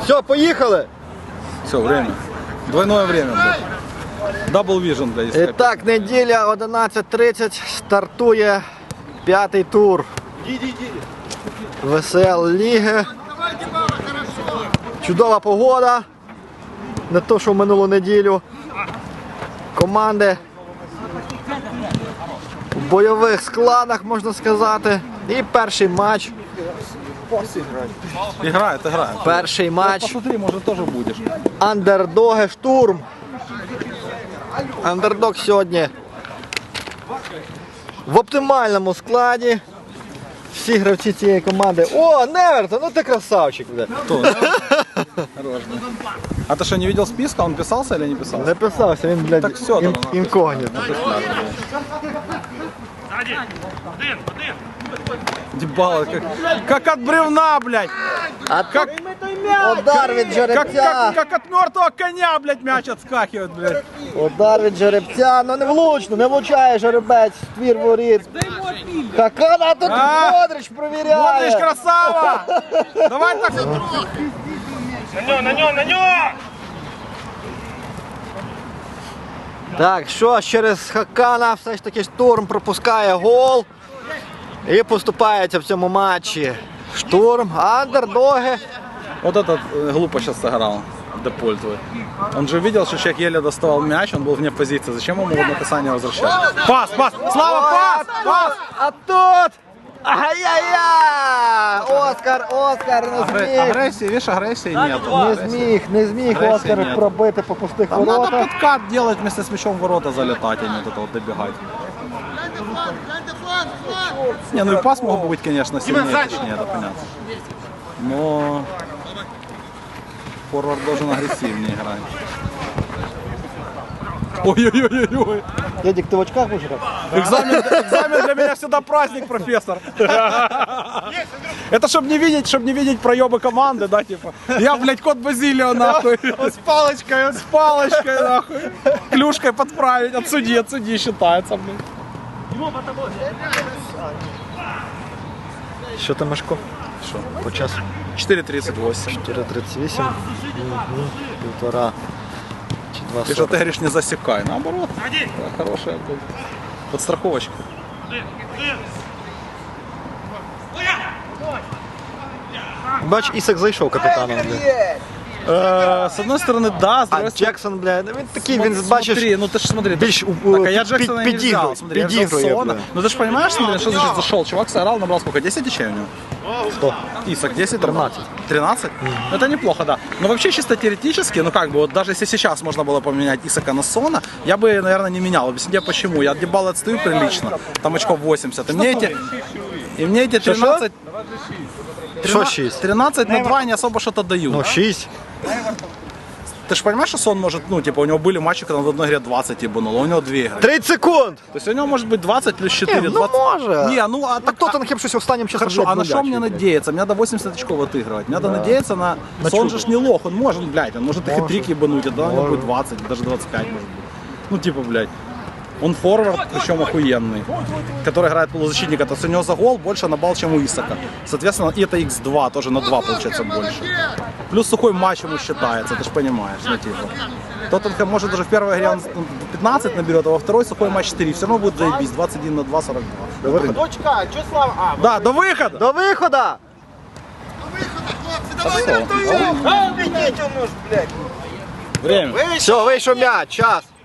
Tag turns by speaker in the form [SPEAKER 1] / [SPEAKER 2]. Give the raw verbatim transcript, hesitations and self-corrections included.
[SPEAKER 1] Все, поїхали.
[SPEAKER 2] Все, время. Двойное время, блядь. Double vision, блядь.
[SPEAKER 1] І так, неділя одинадцять тридцять, стартує п'ятий тур ВСЛ Ліги. Чудова погода, не то, що в минулу неділю. Команди в бойових складах, можна сказати. І перший матч.
[SPEAKER 2] Играет, играет.
[SPEAKER 1] Перший матч.
[SPEAKER 2] Посмотри, может тоже будешь.
[SPEAKER 1] Андердоги Штурм. Андердог сьогодні в оптимальному складі. Всі гравці цієї команди. О, Неверта, ну ти красавчик.
[SPEAKER 2] Кто? Хорош, да. А ты что, не видел списка? Он писался или не писался?
[SPEAKER 1] Не писався, він, блядь,
[SPEAKER 2] Так все,
[SPEAKER 1] ін,
[SPEAKER 2] там,
[SPEAKER 1] інкогніто.
[SPEAKER 2] Дебало, как, как от бревна, блядь.
[SPEAKER 1] А
[SPEAKER 2] Как,
[SPEAKER 1] удар від
[SPEAKER 2] как,
[SPEAKER 1] жеребця.
[SPEAKER 2] как, как от мертвого коня, блядь, мяч отскакивает, блядь.
[SPEAKER 1] Удар від жеребця. Ну не влучно, не влучає жеребець в твір воріт. Хакана тут
[SPEAKER 2] А?
[SPEAKER 1] Модрич
[SPEAKER 2] Модрич,
[SPEAKER 1] провіряє.
[SPEAKER 2] красава! Давай так.
[SPEAKER 3] На нього, на нього, на нього!
[SPEAKER 1] Так, що ж, через Хакана все ж таки Штурм пропускає гол. І поступається в цьому матчі Штурм, андердоги.
[SPEAKER 2] Вот этот э, глупо сейчас сыграл, Деполь твой. Он же видел, что человек еле доставал мяч, он был вне позиции. Зачем ему одно касание возвращать? Пас, пас! Слава, пас! Пас!
[SPEAKER 1] А тут! Ай-яй-яй! Оскар, Оскар не
[SPEAKER 2] Агре-
[SPEAKER 1] зміг.
[SPEAKER 2] Агрессии, видишь, агрессии нет.
[SPEAKER 1] Не зміг, не зміг
[SPEAKER 2] Агресії
[SPEAKER 1] Оскар
[SPEAKER 2] нет.
[SPEAKER 1] пробити по пустих
[SPEAKER 2] Там надо
[SPEAKER 1] воротах.
[SPEAKER 2] подкат делать вместе с мячом в ворота залетать, а не вот это вот добегать. Не, ну и пас мог бы быть, конечно, сильнее, точнее, это понятно. Но форвард должен агрессивнее играть. Ой-ой-ой-ой.
[SPEAKER 1] Дядік, ти в очках будеш грати?
[SPEAKER 2] Экзамен, экзамен для меня всегда праздник, профессор. Это чтобы не видеть, чтобы не видеть проебы команды, да, типа. Я, блядь, кот Базилио, нахуй. С палочкой, с палочкой, нахуй. Клюшкой подправить, отсуди, отсуди, считается, блядь.
[SPEAKER 1] Що там, Машко?
[SPEAKER 2] Что?
[SPEAKER 1] По часу?
[SPEAKER 2] четыре тридцать восемь.
[SPEAKER 1] чотири тридцять вісім. Мгм. Півтора. Чи два
[SPEAKER 2] Ты что, ты
[SPEAKER 1] сорок.
[SPEAKER 2] говоришь, не засекай. Наоборот. Да, хорошая, блядь. Подстраховочка.
[SPEAKER 1] Бач, Ісак зайшов капітаном. бля.
[SPEAKER 2] Э, С одной стороны, да, с
[SPEAKER 1] А
[SPEAKER 2] другой стороны...
[SPEAKER 1] Джексон, бля, ну, він такий,
[SPEAKER 2] Смо-
[SPEAKER 1] він, бачиш,
[SPEAKER 2] Смотри, ну ты ж смотри,
[SPEAKER 1] більш,
[SPEAKER 2] ты,
[SPEAKER 1] у-
[SPEAKER 2] так, а я
[SPEAKER 1] під-
[SPEAKER 2] Джексона
[SPEAKER 1] під-
[SPEAKER 2] не взял,
[SPEAKER 1] підігрує,
[SPEAKER 2] смотри, я взял
[SPEAKER 1] підігрує,
[SPEAKER 2] Сона.
[SPEAKER 1] бля.
[SPEAKER 2] Ну ты же понимаешь, смотри, что значит зашел, чувак сыграл, набрал сколько, десять очей у него?
[SPEAKER 1] Сто.
[SPEAKER 2] Исак, десять?
[SPEAKER 1] тринадцать.
[SPEAKER 2] тринадцать? Ну, это неплохо, да. Но вообще чисто теоретически, ну как бы, вот даже если сейчас можно было поменять Исака на Сона, я бы, наверное, не менял. Объясню тебе почему. Я от Дебала отстаю прилично, там очков восемьдесят. И мне эти, и мне эти тринадцать...
[SPEAKER 1] Що шість?
[SPEAKER 2] тринадцать на два не особо что-то дают.
[SPEAKER 1] Ну, шість.
[SPEAKER 2] Ты же понимаешь, что Сон может, ну, типа, у него были матчи, когда он в одной игре двадцать ебанул, а у него две игры.
[SPEAKER 1] тридцять секунд!
[SPEAKER 2] То есть у него может быть двадцать плюс четыре,
[SPEAKER 1] Не, ну
[SPEAKER 2] двадцать.
[SPEAKER 1] може.
[SPEAKER 2] Не, ну а
[SPEAKER 1] А
[SPEAKER 2] так...
[SPEAKER 1] Тоттенхем щось останнім часом,
[SPEAKER 2] Хорошо,
[SPEAKER 1] блядь,
[SPEAKER 2] а на что
[SPEAKER 1] нулячий,
[SPEAKER 2] мне
[SPEAKER 1] блядь.
[SPEAKER 2] надеяться? Мне надо восемьдесят очков отыгрывать. Мне надо надеяться на...
[SPEAKER 1] На
[SPEAKER 2] Сон
[SPEAKER 1] чудо.
[SPEAKER 2] же ж не лох, он может, блядь, он может и
[SPEAKER 1] Может.
[SPEAKER 2] хитрик ебануть, а тогда у него
[SPEAKER 1] Может.
[SPEAKER 2] будет двадцать, даже двадцать пять может быть. Ну типа, блядь. Он форвард, причем охуенный, который играет полузащитника. То есть у него за гол больше на балл, чем у Исака. Соответственно, и это икс два, тоже на два получается больше. Плюс сухой матч ему считается, ты же понимаешь, ну типа. Тоттенхэм может даже в первой игре он пятнадцать наберет, а во второй сухой матч четыре. Все равно будет заебись, двадцать один на два, сорок два.
[SPEAKER 3] Дочка, що Слава? А,
[SPEAKER 2] Да, до выхода!
[SPEAKER 1] До виходу!
[SPEAKER 3] а, ведіть воно ж, блядь.
[SPEAKER 2] Время.
[SPEAKER 1] Все, вийшов м'яч, час.